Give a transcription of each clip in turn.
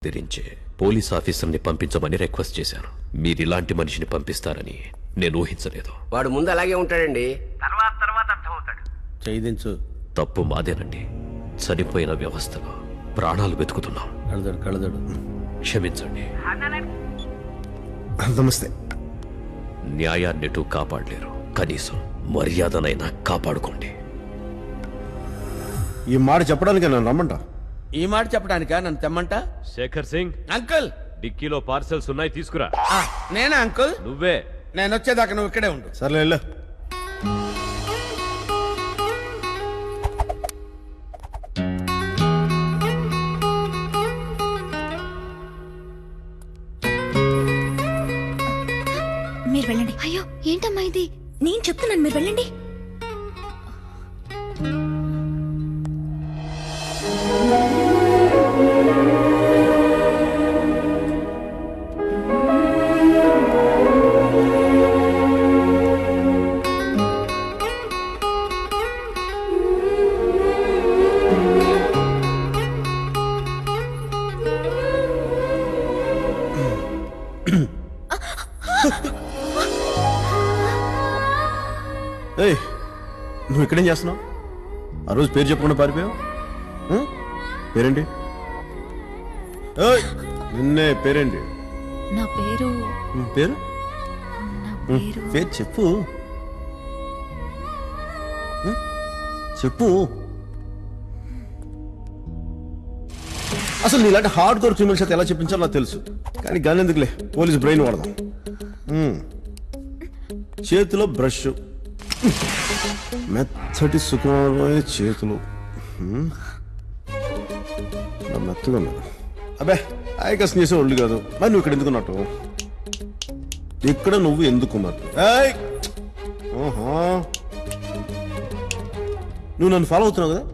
తెరించే police ఆఫీసర్ని పంపించమని request చేశాను. మీరిలాంటి మనిషిని పంపిస్తారని నేను ఊహించలేదు. వాడు ముందు అలాగే ఉంటాడండి, తర్వాత అర్థమవుతాడు. చేయించు. తప్పు మాదేనండి. చనిపోయిన వ్యవస్థలో ప్రాణాలు వెతుకుతున్నాం. కళదడు క్షమించండి. నమస్తే. న్యాయాన్నిటూ కాపాడలేరు, కనీసం మర్యాదనైనా కాపాడుకోండి. ఈ మాట చెప్పడానికి నన్ను రమ్మంటా? ఈ మాట చెప్పడానికా నన్ను తెమ్మంట? శేఖర్ సింగ్, అంకుల్ డిక్కీలో పార్సెల్స్ ఉన్నాయి, తీసుకురా. నేనా అంకుల్? నువ్వే. నేను వచ్చేదాకా నువ్వు ఇక్కడే ఉండు. సర్లే వెళ్ళు. మీరు వెళ్ళండి. అయ్యో ఏంటమ్మా ఇది? నేను చెప్తున్నాను, మీరు వెళ్ళండి. ఏయ్, నువ్వు ఇక్కడేం చేస్తున్నావు? ఆ రోజు పేరు చెప్పకుండా పారిపోయావు. పేరేంటి? ఏయ్, నిన్నే. పేరేంటి? నా పేరు పేరు నా పేరు పేరు చెప్పు. చెప్పు. అసలు నీలాంటి హార్డ్ కోర్ క్రిమినల్స్ అయితే ఎలా చెప్పించాలో నాకు తెలుసు, కానీ గాని ఎందుకులే, పోలీస్ బ్రెయిన్ వాడదాం. చేతిలో బ్రష్, మెత్తటి సుఖమైన చేతులు, మెత్తగా ఉన్నారు. అబ్బే ఆయకసం చేసే ఒళ్ళు కాదు. మరి నువ్వు ఇక్కడ ఎందుకున్నట్టు? ఇక్కడ నువ్వు ఎందుకున్నట్టు? నువ్వు నన్ను ఫాలో అవుతున్నావు కదా?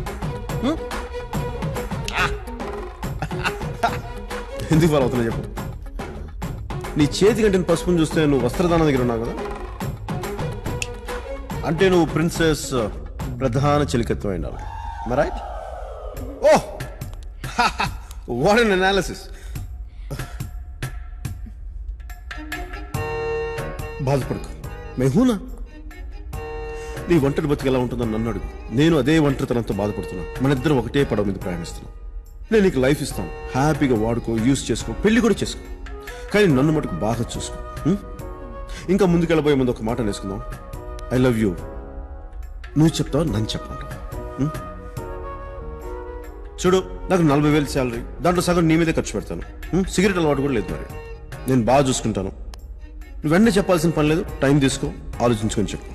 ఎందుకు ఫాలో అవుతున్నావు చెప్పు. నీ చేతి కంటే పసుపుని చూస్తే నువ్వు వస్త్రదానం దగ్గర ఉన్నావు కదా, అంటే నువ్వు ప్రిన్సెస్ ప్రధాన చెలికత్వం అయినావు. Right? Oh, what an analysis. బాధపడకు, మేహూనా. నీ ఒంటరి బతికి ఎలా ఉంటుందని నన్ను అడుగు. నేను అదే ఒంటరితనంతో బాధపడుతున్నా. మన ఇద్దరం ఒకటే పడవ మీద ప్రయాణిస్తున్నాం. నేను నీకు లైఫ్ ఇస్తాను, హ్యాపీగా వాడుకో, యూజ్ చేసుకో, పెళ్లి కూడా చేసుకో, కానీ నన్ను మటుకు బాగా చూసుకో. ఇంకా ముందుకెళ్ళబోయే ముందు ఒక మాట నేర్చుకుందాం. I love you. నువ్వు చెప్తావు, నన్ను చెప్పమంటావు. చూడు, నాకు 40,000 శాలరీ, దాంట్లో సగం నీ మీదే ఖర్చు పెడతాను. సిగరెట్ అలవాటు కూడా లేదు. మరి నేను బాగా చూసుకుంటాను. నువ్వు వెంటనే చెప్పాల్సిన పని లేదు. టైం తీసుకో, ఆలోచించుకొని చెప్పు.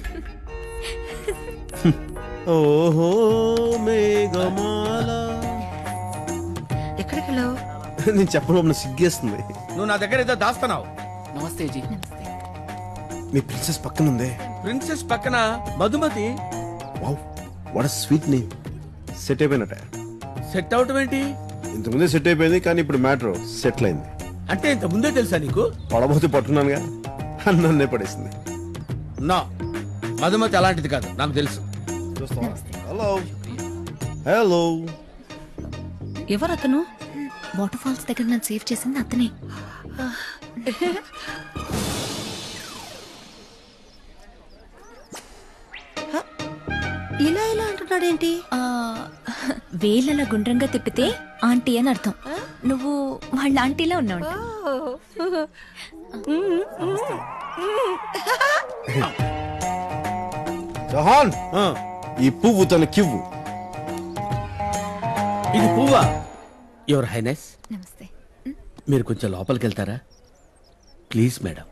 ఓహో మేఘమాల. ఎక్కడికి వెళ్ళావు? నేను చెప్పడం సిగ్గేస్తుంది. నువ్వు నా దగ్గర ఏదో దాస్తున్నావు. నమస్తే జీ. మీ ప్రిన్సెస్ పక్కన ఉందే. ప్రిన్సెస్ పక్కన Madhumati. Wow, what sweet name. Set అయిపోయినట్ట. సెట్ అవటం ఏంటి? ఇంతకుముందే సెట్ అయిపోయింది, కానీ ఇప్పుడు మ్యాటర్ సెటిల్ అయింది. అంటే ఇంత ముందే తెలుసా నీకు? పడబోతే పట్టున్నానుగా, నన్నే పడేసింది. నా మధుమతి అలాంటిది కాదు, నాకు తెలుసు. Hello hello. ఎవరతను? వాటర్ ఫాల్స్ దగ్గర నన్ను సేవ్ చేసింది అతనే. ఇలా ఇలా అంటున్నాడేంటి? వేలలా గుండ్రంగా తిప్పితే ఆంటీ అని అర్థం. నువ్వు వాళ్ళ ఆంటీలా ఉన్నావు. జహాన్, ఈ పువ్వు తనకివ్వు. ఇది పువ్వా? యువర్ హైనెస్, నమస్తే. మీరు కొంచెం లోపలికి వెళ్తారా ప్లీజ్ మేడం?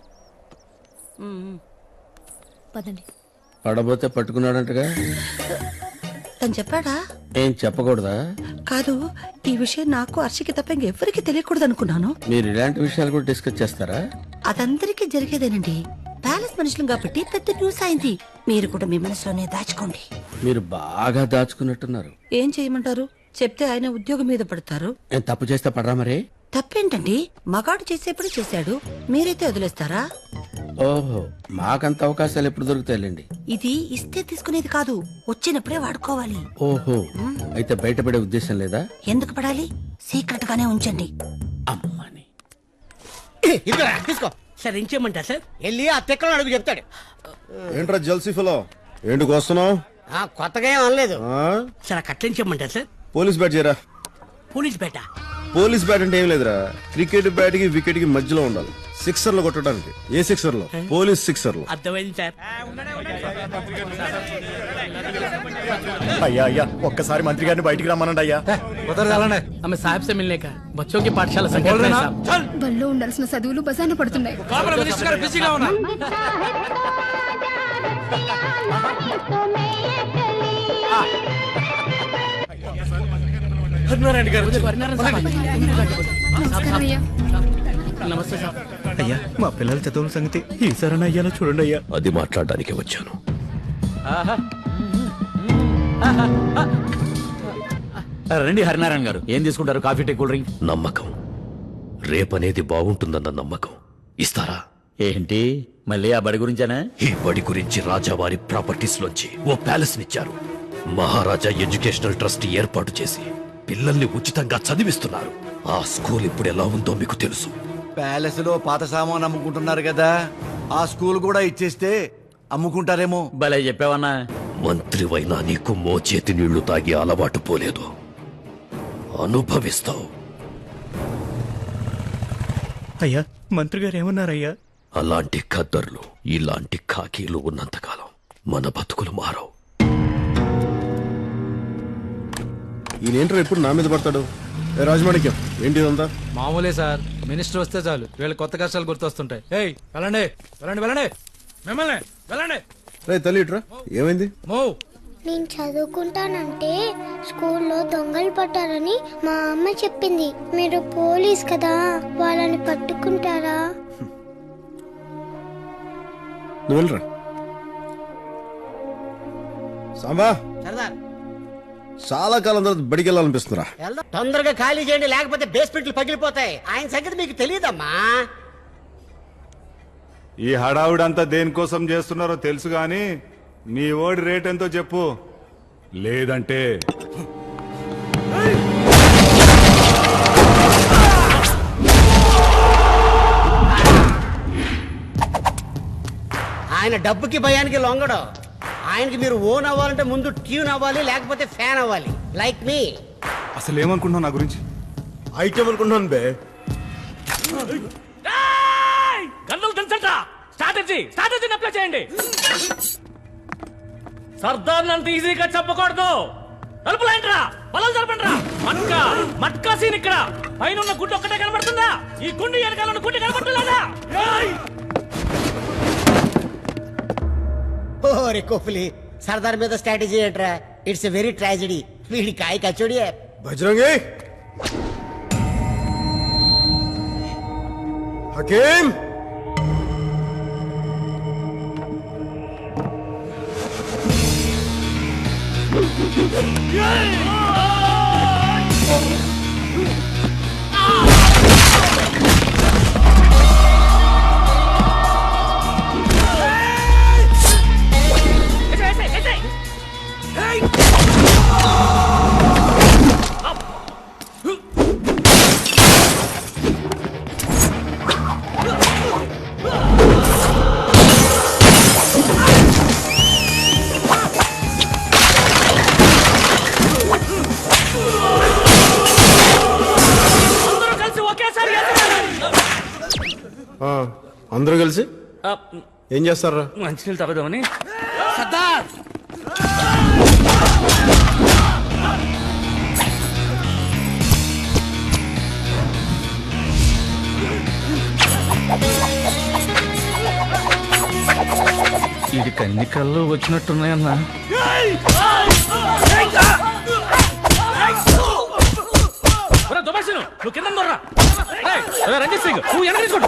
పదండి. పడబోతే పట్టుకున్నాడంటగా. తను చెప్పాడా? ఏం చెప్పకూడదా? కాదు, ఈ విషయం నాకు హర్షికి తప్ప ఇంకెవ్వరికి తెలియకూడదు అనుకున్నాను. మీరు ఇలాంటి విషయాలు కూడా డిస్కస్ చేస్తారా? అదందరికీ జరిగేదేనండి. ప్యాలెస్ మనుషులు కాబట్టి పెద్ద న్యూస్ అయింది. మీరు కూడా మీ మనసులోనే దాచుకోండి. మీరు బాగా దాచుకున్నట్టున్నారు. ఏం చేయమంటారు? చెప్తే ఆయన ఉద్యోగం మీద పడతారు. నేను తప్పు చేస్తే పడరా? మరే తప్పేంటండి? మగాడు చేసేప్పుడు చేశాడు, మీరైతే వదిలేస్తారా? ఓహో మాకంత అవకాశాలు ఎప్పుడు దొరుకుతాయిలేండి. ఇది ఇస్తే తీసుకునేది కాదు, వచ్చినప్పుడే వాడుకోవాలి. ఓహో అయితే బయటపడే ఉద్దేశం లేదా? ఎందుకు పడాలి? సీక్రెట్ గానే ఉంచండి. అమ్మని ఇదిగో తీసుకో సార్. ఏం చేయమంటారు సార్? వెళ్ళి ఆ తెక్కలో అడుగు చెప్తాడు. ఏంట్రా జల్సీ ఫలో, ఏంటికి వస్తున్నావు? కొత్తగా ఏం అనలేదు సార్. కట్లేం చేయమంటారు సార్? పోలీస్ బ్యాట్ చేయరా. పోలీస్ బేట పోలీస్ బ్యాట్ అంటే ఏం లేదురా, క్రికెట్ బ్యాట్ కి వికెట్ కి మధ్యలో ఉండాలి. సిక్సర్ లో కొట్టడానికి. ఏ సిక్సర్ లో? పోలీస్ సిక్సర్ లో. అర్థమైంది సార్. అయ్యా అయ్యా ఒక్కసారి మంత్రి గారిని బయటికి రమ్మనండి అయ్యా. हमें साहब से मिलने का बच्चों की पाठशाला संकट में साहब బల్లో ఉండాల్సిన చదువులు బజాన పడుతున్నాయి. नमस्ते साहब. అయ్యా మా పిల్లల చదువుల సంగతి ఈసారి అయ్యాలో చూడండి అయ్యా. అది మాట్లాడడానికి వచ్చాను. రండి హరినారాయణ గారు, ఏం తీసుకుంటారు? Coffee, tea, cool drink? నమ్మకం, రేపనేది బాగుంటుందన్న నమ్మకం. ఇస్తారా? ఏంటి మళ్ళీ ఆ బడి గురించేనా? ఈ బడి గురించి రాజావారి ప్రాపర్టీస్ లోంచి ఓ ప్యాలెస్ నిచ్చారు. మహారాజా ఎడ్యుకేషనల్ ట్రస్ట్ ఏర్పాటు చేసి పిల్లల్ని ఉచితంగా చదివిస్తున్నారు. ఆ స్కూల్ ఇప్పుడు ఎలా ఉందో మీకు తెలుసు. ప్యాలెస్ లో పాత సామాన్ అమ్ముకుంటున్నారు కదా, ఆ స్కూల్ కూడా ఇచ్చేస్తే అమ్ముకుంటారేమో. భలే చెప్పావన్నా. మంత్రివైనా నీకు మోచేతి నీళ్లు తాగి అలవాటు పోలేదు. అనుభవిస్తావు. అయ్యా మంత్రి గారు ఏమన్నారయ్యా? అలాంటి ఖద్దర్లు, ఇలాంటి ఖాకీలు ఉన్నంతకాలం మన బతుకులు మారవు. ఈయనేంట్రా ఎప్పుడు నా మీద పడతాడు? ఏ రాజమాణిక్యం, ఏంటి ఇదంతా? మామూలే సార్, మినిస్టర్ వస్తే చాలు వీళ్ళ కొత్త కష్టాలు గుర్తొస్తుంటాయి. ఏయ్ వెళ్ళండి వెళ్ళండి వెళ్ళండి, మిమ్మల్ని వెళ్ళండి. రే తల్లి ఇట్రా, ఏమైంది? నేను చదువుకుంటానంటే స్కూల్లో దొంగలు పట్టారని మా అమ్మ చెప్పింది. మీరు పోలీస్ కదా, వాళ్ళని పట్టుకుంటారా? నువ్వు వెళ్ళరా. సాంబా, సరదార్ చాలా కాలం తర్వాత బడికి వెళ్ళాలనిపిస్తుందిరా. తొందరగా ఖాళీ చేయండి, లేకపోతే బేస్మెంట్లు పగిలిపోతాయి. ఆయన సంగతి మీకు తెలియదమ్మా. ఈ హడావుడంతా దేనికోసం చేస్తున్నారో తెలుసు గాని నీ ఓడి రేట్ ఎంతో చెప్పు, లేదంటే ఆయన డబ్బుకి భయానికి లొంగడు. ఆయనకి మీరు ఓన్ అవ్వాలంటే ముందు ట్యూన్ అవ్వాలి, లేకపోతే ఫ్యాన్ అవ్వాలి. Like me. అసలు ఏమనుకుంటున్నావు నా గురించి? ఐటమ్ అనుకుంటున్నాను బే. స్ట్రాటజీ అప్లై చేయండి. సర్దార్ అంత ఈజీగా చెప్పకూడదు. తలుపులేంట్రా, పొలం జరపండిరా. మట్కా మట్కా సీన్ ఇక్కడ. పైన ఉన్న గుడ్డు ఒక్కటే కనబడుతుందా? ఈ గుండు వెనకాల ఉన్న గుడ్డు కనబడుతుందా? ఓరే కోహ్లీ, సర్దార్ మీద స్ట్రాటజీ ఏంట్రా? It's a very tragedy. వీడి కాయ కచోడి. బజరంగి, హకీం, అందరూ కలిసి ఏం చేస్తారా? మంచినీళ్ళు తాగుదామని. సర్దార్ ఇది కన్ని కళ్ళు వచ్చినట్టున్నాయన్నా. నువ్వు కింద రంజిత్ సింగ్, నువ్వు వెనక తీసుకోండి.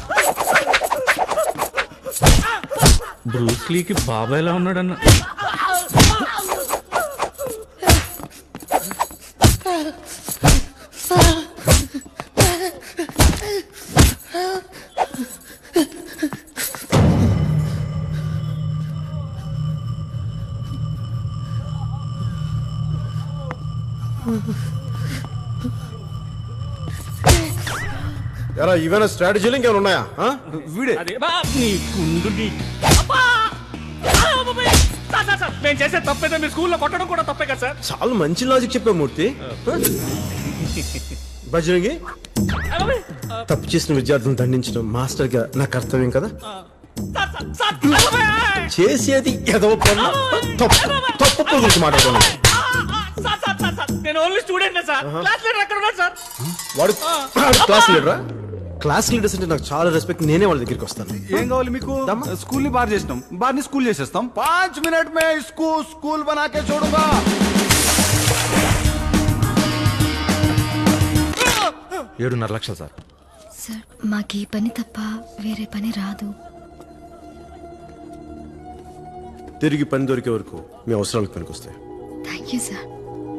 బ్రూస్లీకి బాబాయ్లా ఉన్నాడన్న. ఎరా ఇవైనా స్ట్రాటజీలు ఇంకేమైనా ఉన్నాయా ఆ? వీడే అదే బా, నీ గుండు నీ అబ్బా! ఆ, బాబాయ్! సార్, నేను చేసే తప్పేదో మీ స్కూల్లో కొట్టడం కూడా తప్పే కదా సార్. చాలా మంచి లాజిక్ చెప్పా మూర్తి. బజరంగి, ఆ, బాబాయ్! తప్పు చేసిన విద్యార్థులను దండించడం మాస్టర్ గా నా కర్తవ్యం కదా. సార్, ఆ, బాబాయ్! చేసేది ఏదో పని. తప్పు గురించి మాట్లాడుతున్నాను. సార్, నేను only student sir. Class leader అక్కడ ఉన్నాడు సార్. వాడు క్లాస్ లీడరా? క్లాస్ లీడర్స్ అంటే నాకు చాలా రెస్పెక్ట్. నేనే వాళ్ళ దగ్గరికి వస్తాను. ఏం కావాలి మీకు? స్కూల్ ని బార్ చేసినాం, బార్ ని స్కూల్ చేసేస్తాం. 5 మినిట్ మే స్కూల్ బనాకే చూడుగా. 7.5 లక్షలు సార్. సార్ మాకు ఈ పని తప్ప వేరే పని రాదు. తిరిగి పని దొరికే వరకు మీ అవసరాలకు పనికొస్తాయి. Thank you sir.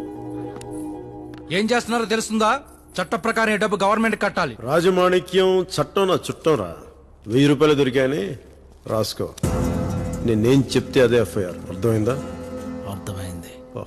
ఏం చేస్తున్నారో తెలుస్తుందా? చట్ట ప్రకారం ఈ డబ్బు గవర్నమెంట్ కట్టాలి. రాజమాణిక్యం చట్టం నా చుట్టం రా. 1000 రూపాయలు దొరికాయని రాసుకో. నేనేం చెప్తే అదే ఎఫ్ఐఆర్. అర్థమైందా? అర్థమైంది. ఓ.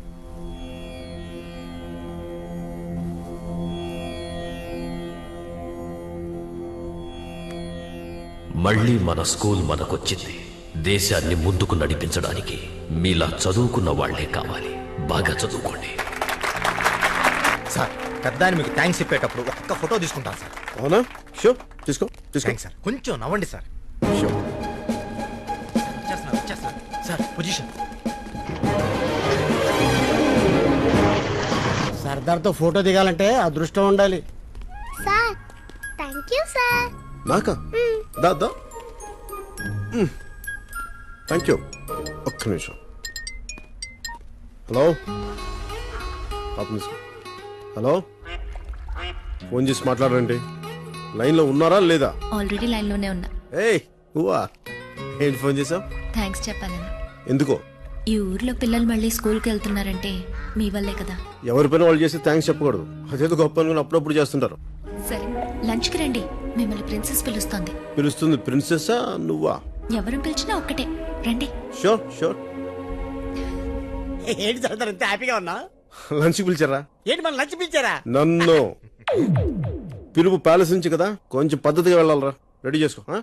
మళ్ళీ మన స్కూల్ మనకొచ్చింది. దేశాన్ని ముందుకు నడిపించడానికి మీలా చదువుకున్న వాళ్లే కావాలి. బాగా చదువుకోండి. సార్ పెద్దాన్ని మీకు థ్యాంక్స్ చెప్పేటప్పుడు ఒక్క ఫోటో తీసుకుంటాను సార్. అవునా? షో తీసుకో తీసుకో. Thanks sir. కొంచెం నవ్వండి సార్. షో. వచ్చేస్తున్నారు. Sir position. సర్దార్తో ఫోటో దిగాలంటే అదృష్టం ఉండాలి. Sir thank you sir. నాకా? దా దా. Thank you. ఒక్క నిమిషం. హలో హలో, ఫోన్ చేసి మాట్లాడండి. లైన్లో ఉన్నారా లేదా? ఆల్రెడీ లైన్లోనే ఉన్నా. ఏయ్ నువ్వా? ఏంటి ఫోన్ చేసావు? థ్యాంక్స్ చెప్పాలని. ఎందుకో? ఈ ఊర్లో పిల్లలు మళ్ళీ స్కూల్కి వెళ్తున్నారంటే మీ వల్లే కదా. ఎవరి పైన వాళ్ళు చేస్తే థ్యాంక్స్ చెప్పకూడదు. అదేదో గొప్ప అనుకుని అప్పుడప్పుడు చేస్తుంటారు. సరే లంచ్కి రండి, మిమ్మల్ని ప్రిన్సెస్ పిలుస్తోంది. పిలుస్తుంది ప్రిన్సెస్సా నువ్వా? ఎవరు పిలిచినా ఒక్కటే, రండి. Sure sure. ఏంటి సర్దార్ ఇంత హ్యాపీగా ఉన్నా? లంచ్కి పిలిచారా? ఏంటి మన లంచ్ పిలిచారా? నన్ను పిలుపు ప్యాలెస్ నుంచి కదా, కొంచెం పద్ధతిగా వెళ్ళాలరా. రెడీ చేసుకో. ఆ?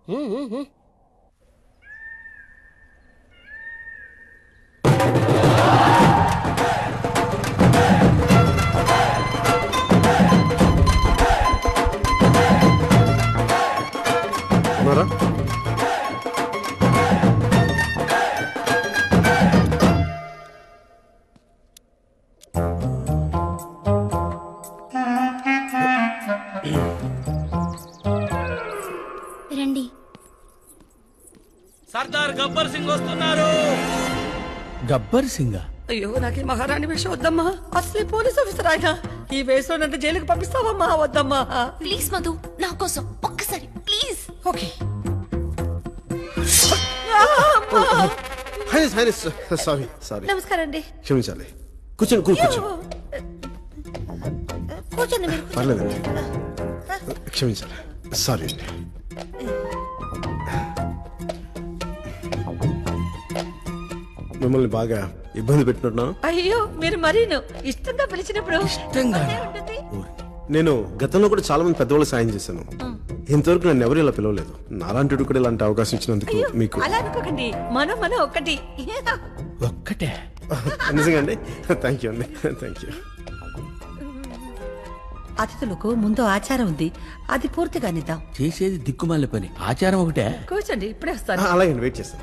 ఉన్నారా? రండి. సర్దార్ గబ్బర్ సింగ్ వస్తున్నారు. గబ్బర్ సింగా? అయ్యో నాకు ఈ మహారాణి వేషం వద్దమ్మా. అసలే పోలీస్ ఆఫీసర్ ఆయన. ఈ వేషంలో నన్ను జైలుకి పంపిస్తావమ్మా? వద్దమ్మా. ప్లీజ్ మధు, నా కోసం ఒక్కసారి ప్లీజ్. ఓకే. Sorry sorry. నమస్కారం అండి. క్షమించాలి. కూర్చోండి కూర్చోండి. కూర్చోండి మీరు. పర్లేదండి, క్షమించాలి. సారీ అండి. మిమ్మల్ని బాగా ఇబ్బంది పెట్టినట్టున్నాను. అయ్యో మీరు మరీను ఇష్టంగా పిలిచినప్పుడు ఇష్టంగా? ఉంటుంది. నేను గతంలో కూడా చాలా మంది పెద్దవాళ్ళు సాయం చేశాను. ఇంతవరకు నన్ను ఎవరు ఇలా పిలవలేదు. నాలాంటి కూడా ఇలాంటి అవకాశం ఇచ్చినందుకు మీకు అలా అనుకోకండి. మనం ఒక్కటి. ఒక్కటే? నిజంగా అండి. థ్యాంక్ యూ అండి. Thank you. అతిథులకు ముందు ఆచారం ఉంది, అది పూర్తిగా నిద్దాం. చేసేది దిక్కుమాల పని, ఆచారం ఒకటే. కూర్చోండి, ఇప్పుడే వస్తాను. అలాగే వెయిట్ చేస్తాను.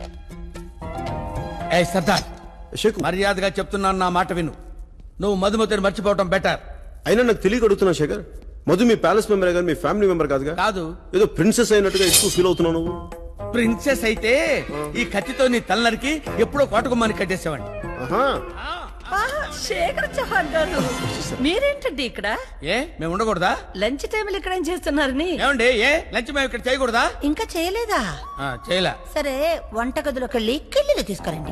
ఏ సర్దార్, షేక్ మర్యాదగా చెప్తున్నాను, నా మాట విను. నువ్వు మధుమతిని మర్చిపోవటం బెటర్. అయినా నాకు తెలియక అడుగుతున్నా శేఖర్. మధు మీ ప్యాలెస్ మెంబర్ కానీ మీ ఫ్యామిలీ మెంబర్ కాదుగా? కాదు. ఏదో ప్రిన్సెస్ అయినట్టుగా ఎక్కువ ఫీల్ అవుతున్నావు నువ్వు. ప్రిన్సెస్ అయితే ఈ కత్తితో నీ తలనరికి ఎప్పుడో కోటకుమ్మని కట్టేసేవాడిని. ఆహా. శేఖర్ చౌహాన్ గారు, మీరేంటండి ఇక్కడ? ఏ మేము ఉండకూడదా? లంచ్ టైంలో ఇక్కడ ఏం చేస్తున్నారని? ఏమండి, ఏ లంచ్ మేము ఇక్కడ చేయకూడదా? ఇంకా చేయలేదా? చేయలే. సరే వంటగదిలోకి వెళ్ళి కిళ్ళీలు తీసుకురండి.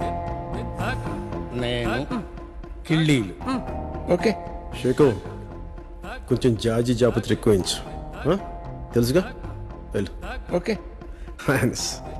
నేను కిళ్ళీలు. ఓకే షేకు, కొంచెం జాజి జాపత్రి ఎక్కువ తెలుసుగా. వెళ్ళు. ఓకే.